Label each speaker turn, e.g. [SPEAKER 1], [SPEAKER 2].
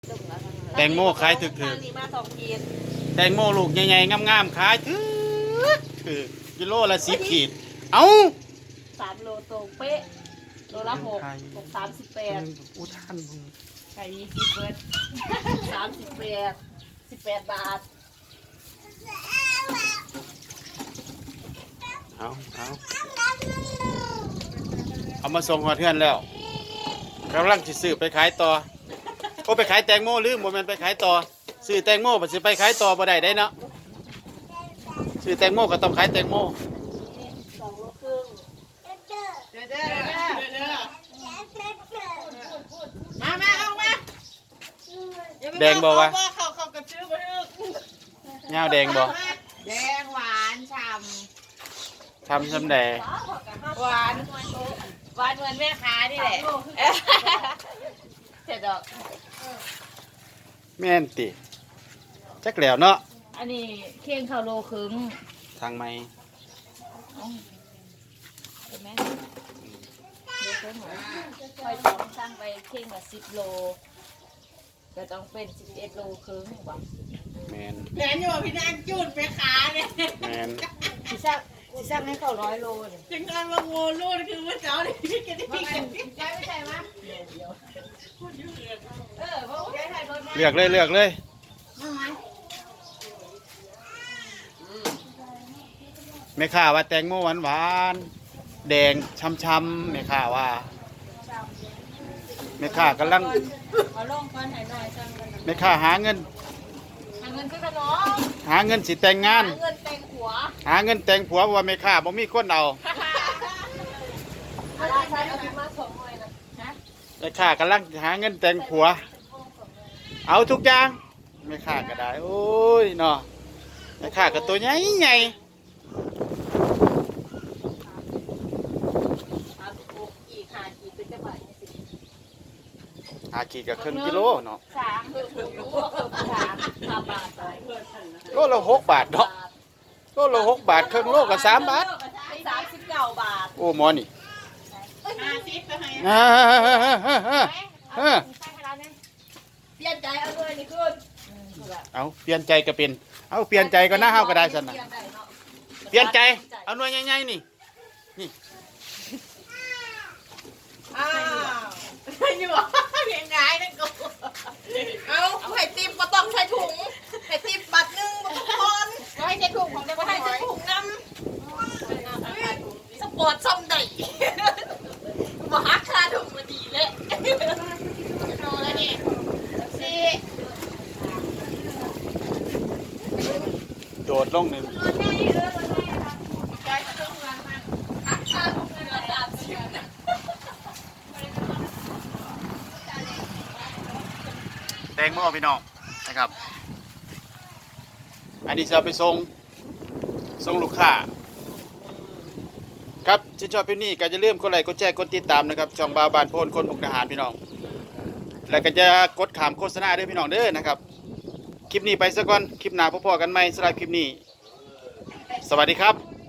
[SPEAKER 1] แตงโมขายถึกแตงโมลูกใหญ่ๆงามๆขายถือกิโลละ10 ขีดเอ้า
[SPEAKER 2] 3 โลตรงเป๊ะโลละ6 38
[SPEAKER 1] อุทานมึง
[SPEAKER 2] ไก่20เบิร์ด18 บาท
[SPEAKER 1] เอามาส่งหอดเทือนแล้วกำลังจะซื้อไปขายต่อโอ้ไปขายแตงโมหรือโมเมนไปขายต่อซื้อแตงโมไปซื้อไปขายต่อบ่ได้เนาะซื้อแตงโมก็ต้องขายแตงโม
[SPEAKER 2] 2 โลครึ่งมาเอามา
[SPEAKER 1] แดงบ่วะ
[SPEAKER 2] เขากระชื้อไปลึก
[SPEAKER 1] เงาแดงบ่
[SPEAKER 2] แดงหวานฉ่
[SPEAKER 1] ทำแดง
[SPEAKER 2] หวานเหมือนแม่ค้านี่แหละเสร็จดอก
[SPEAKER 1] แม่นติจักแล้วเนาะ
[SPEAKER 2] อันนี้เคี่ยงข้าวโลครึ่ง
[SPEAKER 1] ทางไม้
[SPEAKER 2] เห็นไหมค่อยต้องสร้างไปเคี่ยงละ10 โลก็ต้องเป็น11 โลครึ่งบ่
[SPEAKER 1] แม่น
[SPEAKER 2] อยู่พี่นางจุดแม่ค้าเนี่ย
[SPEAKER 1] แม่น
[SPEAKER 2] สิสร้างให้เขา100 โลเนี่ย
[SPEAKER 3] จังการมาโง่ลูกคือเมื่อเช้านี่พี่กันที่กัน
[SPEAKER 2] ไม่ใช่มั้ยเพราะย้ายถ่ายรถมา
[SPEAKER 1] เลือกเลยแม่ค้าว่าแตงโมหวานแดงช้ำๆแม่ค้าว่าแม่ค้ากำลัง
[SPEAKER 2] เอาลงก่อนให้หน่อยสั่งกัน
[SPEAKER 1] แม่ค้าหาเงิน
[SPEAKER 2] คือขนม
[SPEAKER 1] หาเงินสิแต่งงาน
[SPEAKER 2] เงินแต่งหัว
[SPEAKER 1] หาเงินแต่งผัวว่าแม่ค้าบ่มีคนเอา
[SPEAKER 2] ใช้เอามาส่งหน่อยนะ
[SPEAKER 1] แม่ค้ากำลังหาเงินแต่งผัวเอาทุกอย่างแม่ค้าก็ได้โอ้ยเนาะแม่ค้าก็ตัวใหญ่5 ขีดกับครึ่งกิโลเนาะ
[SPEAKER 2] 3 บาท
[SPEAKER 1] โลละ6 บาทเนาะโลละ6 บาทครึ่งโลก็3 บาท
[SPEAKER 2] 39 บาท
[SPEAKER 1] โอ้หมอนี่
[SPEAKER 3] 50ก็ให้
[SPEAKER 2] เปลี่ยนใจเอาเลยนี่ขึ้น
[SPEAKER 1] เอาเปลี่ยนใจก็เป็นเอาเปลี่ยนใจก็น่าเฮาก็ได้ซั่นน่ะเปลี่ยนใจเอาหน่วยใหญ่ๆนี่
[SPEAKER 3] อ้าวอยู่เพียงไงนั่นกูเอาไข่ติ๊บก็ต้องใช้ถุงไข่ติ๊บบัตรนึงก็ต้องทอนให้ใช้ถุงของเด็กก็ให้ใช้ถุงน้ำสปอร์ตซ่อมได้มาหักค่าถุงมาดีเลยนอนแล้วนี่สิ
[SPEAKER 1] โดดลงหนึ่งแตงโมพี่น้องนะครับอันนี้จะไปส่งลูกค้าครับที่ชอบพี่นี่ก็จะเริ่มกดไลค์กดแชร์กดติดตามนะครับช่องบาวบานโพนคนมุกดาหารพี่น้องแล้วก็จะกดขามโฆษณาด้วยพี่น้องเด้อนะครับคลิปนี้ไปซะก่อนคลิปหน้าพบกันใหม่สำหรับคลิปนี้สวัสดีครับ